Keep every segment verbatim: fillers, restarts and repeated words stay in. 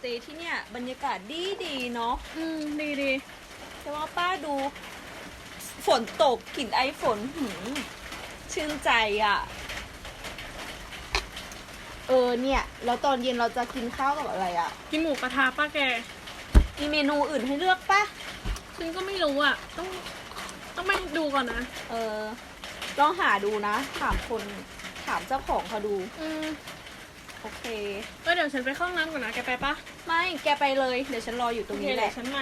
ย์ที่เนี่ยบรรยากาศดีดีเนาะอืมดีดีแต่ว่าป้าดูฝนตกกลิ่นไอฝนหืมชื่นใจอะ่ะ เออเนี่ยแล้วตอนเย็นเราจะกินข้าวกับอะไรอะ่ะกินหมูกระทะป้าแกมีเมนูอื่นให้เลือกปะฉันก็ไม่รู้อ่ะ ต้องต้องไปดูก่อนนะเออลองหาดูนะถามคนถามเจ้าของเขาดูอืมโอเคก็เดี๋ยวฉันไปเข้าห้องน้ำก่อนนะแกไปปะไม่แกไปเลยเดี๋ยวฉันรออยู่ตโอรงเคนี้แหเดี๋ยละวฉันมา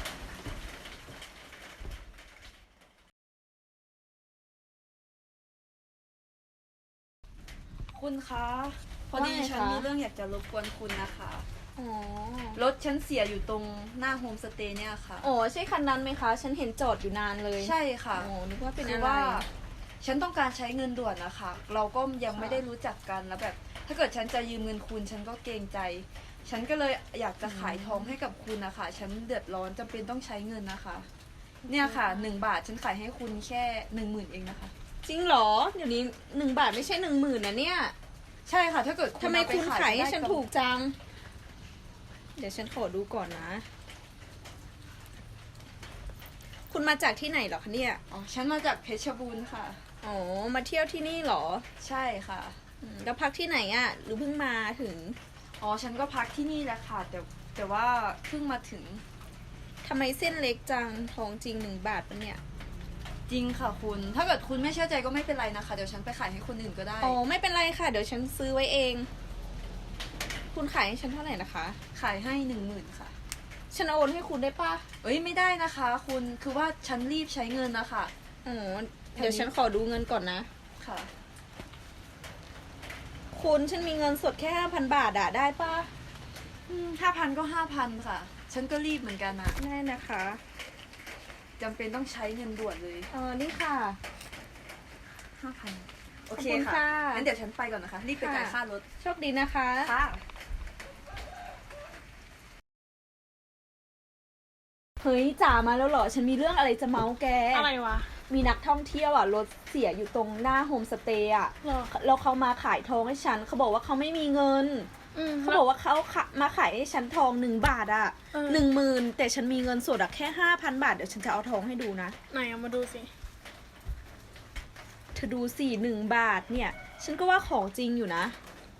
คุณคะพอดีว่าไงคะฉันมีเรื่องอยากจะรบกวนคุณนะคะอ๋อรถฉันเสียอยู่ตรงหน้าโฮมสเตย์เนี่ยค่ะโอ้ใช่คันนั้นไหมคะ ฉันเห็นจอดอยู่นานเลยใช่ค่ะโอ้นึกว่าเป็นคือะอไรว่า ฉันต้องการใช้เงินด่วนนะคะ เราก็ยังค่ะไม่ได้รู้จักกันแล้วแบบ ถ้าเกิดฉันจะยืมเงินคุณ ฉันก็เกรงใจ ฉันก็เลยอยากจะขายทองให้กับคุณนะคะฉันเดือดร้อนจำเป็นต้องใช้เงินนะคะ เนี่ยค่ะหนึ่งบาทฉันขายให้คุณแค่หนึ่งหมื่นเองนะคะจริงเหรอ เดี๋ยวนี้หนึ่งบาทไม่ใช่หนึ่งหมื่นนะเนี่ยใช่ค่ะ ถ้าเกิดทำไมเอปคุณขายให้ได้ฉันำถูกจัง เดี๋ยวฉันขอดูก่อนนะ คุณมาจากที่ไหนเหรอคะเนี่ยอ๋อฉันมาจากเพชรบูรณ์ค่ะอ๋อ มาเที่ยวที่นี่เหรอใช่ค่ะอืมแล้วพักที่ไหนอะ่ะ หรือเพิ่งมาถึงอ๋อ ฉันก็พักที่นี่แหละค่ะ แต่แต่ว่าเพิ่งมาถึงทำไมเส้นเล็กจัง ทองจริงหนึ่งบาทปะเนี่ยจริงค่ะคุณ ถ้าเกิดคุณไม่เชื่อใจก็ไม่เป็นไรนะคะ เดี๋ยวฉันไปขายให้คนอื่นก็ได้อ๋อ ไม่เป็นไรค่ะ เดี๋ยวฉันซื้อไว้เอง คุณขายให้ฉันเท่าไหร่นะคะขายให้หนึ่งหมื่นค่ะฉันโอนให้คุณได้ปะเอ้ยไม่ได้นะคะ คุณ คือว่าฉันรีบใช้เงินนะคะอ๋อ เดี๋ยวฉันขอดูเงินก่อนนะค่ะคุณฉันมีเงินสดแค่ห้าพันบาทอะได้ปะห้าพันก็ห้าพันค่ะ ฉันก็รีบเหมือนกันนะได้นะคะจำเป็นต้องใช้เงินด่วนเลยเออนี่ค่ะห้าพันโอเคขอบคุณค่ะค่ะงั้นเดี๋ยวฉันไปก่อนนะคะ รีบไปจ่ายค่ารถโชคดีนะคะค่ะเฮ้ยจ๋ามาแล้วเหรอ ฉันมีเรื่องอะไรจะเมาส์แกอะไรวะมีนักท่องเที่ยวอ่ะรถเสียอยู่ตรงหน้าโฮมสเตย์อ่ะหรอแล้วเขามาขายทองให้ฉัน เขาบอกว่าเขาไม่มีเงินอืมเขาบอกว่าเขาขะมาขายให้ฉันทองหนึ่งบาทอ่ะเออหนึ่งหมื่นแต่ฉันมีเงินสดอ่ะแค่ห้าพันบาท เดี๋ยวฉันจะเอาทองให้ดูนะไหนเอามาดูสิเธอดูสี่หนึ่งบาทเนี่ย ฉันก็ว่าของจริงอยู่นะ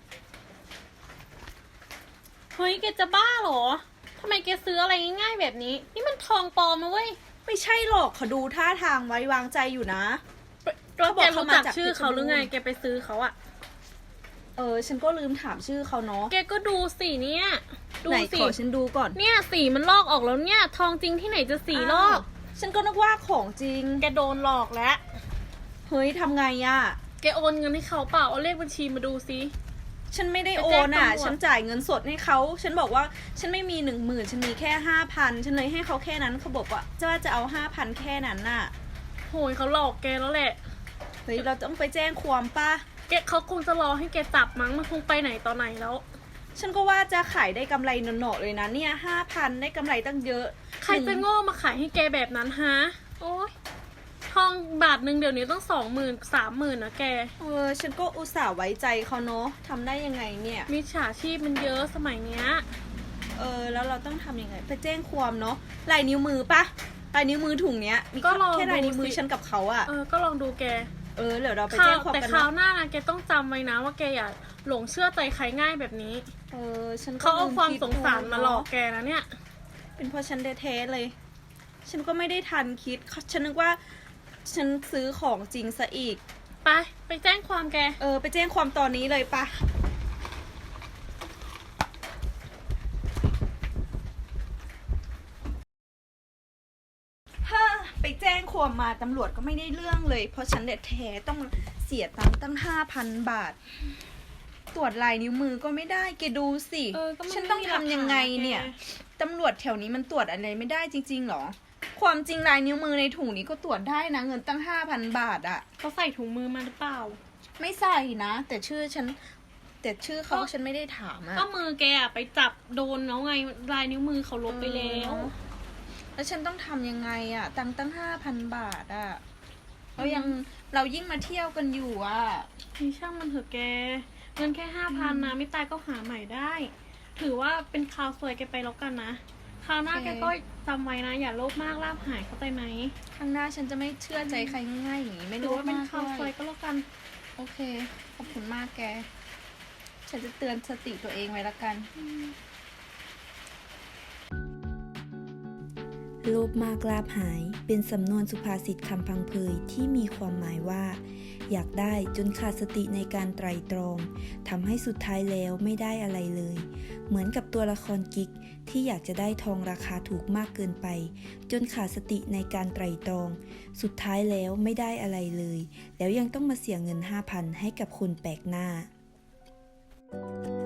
เฮ้ยแกจะบ้าเหรอทำไมแกซื้ออะไรง่ายๆแบบนี้ นี่มันทองปลอมนะเว้ยไม่ใช่หรอกเขาดูท่าทางไว้วางใจอยู่นะแล้วแกเขารู้มาจักจากชื่อเขาหรือไงเพชรบูรณ์แกไปซื้อเขาอะเออ ฉันก็ลืมถามชื่อเขาเนาะแกก็ดูสิเนี่ย ดูไหนสิขอฉันดูก่อนเนี่ยสีมันลอกออกแล้วเนี่ย ทองจริงที่ไหนจะสีลอกาวฉันก็นึกว่าของจริงแกโดนหลอกแล้วเฮ้ยทำไงอะแกโอนเงินให้เขาเปล่า เอาเลขบัญชีมาดูสิฉันไม่ได้ไปโอแจ้งนอ่ะตำรวจฉันจ่ายเงินสดให้เขา ฉันบอกว่าฉันไม่มีหนึ่งหมื่นฉันมีแค่ห้าพันฉันเลยให้เขาแค่นั้น เขาบอกว่าจะว่าจะเอาห้าพันแค่นั้นน่ะโหยเขาหลอกแกแล้วแหละเฮ้ยเราต้องไปแจ้งความป่ะแกเขาคงจะรอให้แกจับมั้ง มันคงไปไหนตอนไหนแล้วฉันก็ว่าจะขายได้กำไรหนอๆเลยนะเนี่ยห้าพันได้กำไรตั้งเยอะใครจะโง่มาขายให้แกแบบนั้นฮะ โอ๊ย ทองบาทหนึ่งเดี๋ยวนี้ต้องสองหมื่นสามหมื่นนะแกเออ ฉันก็อุตส่าห์ไว้ใจเขาเนาะทำได้ยังไงเนี่ยมิจฉาชีพมันเยอะสมัยเนี้ยเออ แล้วเราต้องทำยังไง ไปแจ้งความเนาะ ลายนิ้วมือปะลายนิ้วมือถุงเนี้ย มีก็ลองแค่ลายนิ้วมือดูสิฉันกับเขาอะเออ ก็ลองดูแกเออ เดี๋ยวเราไปคราแจ้วงความแต่กันคราวเนาะหน้านะแกต้องจำไว้นะว่าแกอย่าหลงเชื่อใจใครง่ายแบบนี้เออ ฉันก็เขาเอาลืความคิดสงสารดูมาหลอกแกนะเนี่ยเป็นเพราะฉันแท้ๆเลย ฉันก็ไม่ได้ทันคิด ฉันนึกว่า ฉันซื้อของจริงซะอีกไป ไปแจ้งความแกเออ ไปแจ้งความตอนนี้เลยปะฮ่าไปแจ้งความมาตำรวจก็ไม่ได้เรื่องเลย เพราะฉันแท้ๆต้องเสียตังค์ตั้งห้าพันบาท ตรวจลายนิ้วมือก็ไม่ได้แกดูสิเออก็มันฉันต้องไม่มีหลักทำยังไงฐานนะแกเนี่ย ตำรวจแถวนี้มันตรวจอะไรไม่ได้จริงๆหรอ ความจริงลายนิ้วมือในถุงนี้ก็ตรวจได้นะ เงินตั้งห้าพันบาทอะเขาใส่ถุงมือมาหรือเปล่าไม่ใส่นะ แต่ชื่อฉัน แต่ชื่อเขาก็ฉันไม่ได้ถามอะก็มือแกอะไปจับโดนแล้วไงลายนิ้วมือเขาลบไปแล้วเออแล้วฉันต้องทำยังไงอะตังค์ตั้งห้าพันบาทอะเรายังเรายิ่งมาเที่ยวกันอยู่อะนี่ช่างมันเถอะแก เงินแค่ห้าพันนะไม่ตายก็หาใหม่ได้ถือว่าเป็นคราวสวยแกไปแล้วกันนะคราวหน้าโอเคแกก็จำไว้นะ อย่าโลภมากลาภหายเข้าใจไหมข้างหน้าฉันจะไม่เชื่อใจใครง่ายๆอย่างนี้ไม่ถือรู้ว่าเป็นมากคราวสด้ววย ยก็แล้วกันโอเค ขอบคุณมากแก ฉันจะเตือนสติตัวเองไว้ละกันโลภมากลาภหายเป็นสำนวนสุภาษิตคำพังเพยที่มีความหมายว่า อยากได้จนขาดสติในการไตร่ตรองทำให้สุดท้ายแล้วไม่ได้อะไรเลย เหมือนกับตัวละครกิ๊กที่อยากจะได้ทองราคาถูกมากเกินไป จนขาดสติในการไตร่ตรอง สุดท้ายแล้วไม่ได้อะไรเลย แล้วยังต้องมาเสียเงิน ห้าพัน ให้กับคนแปลกหน้า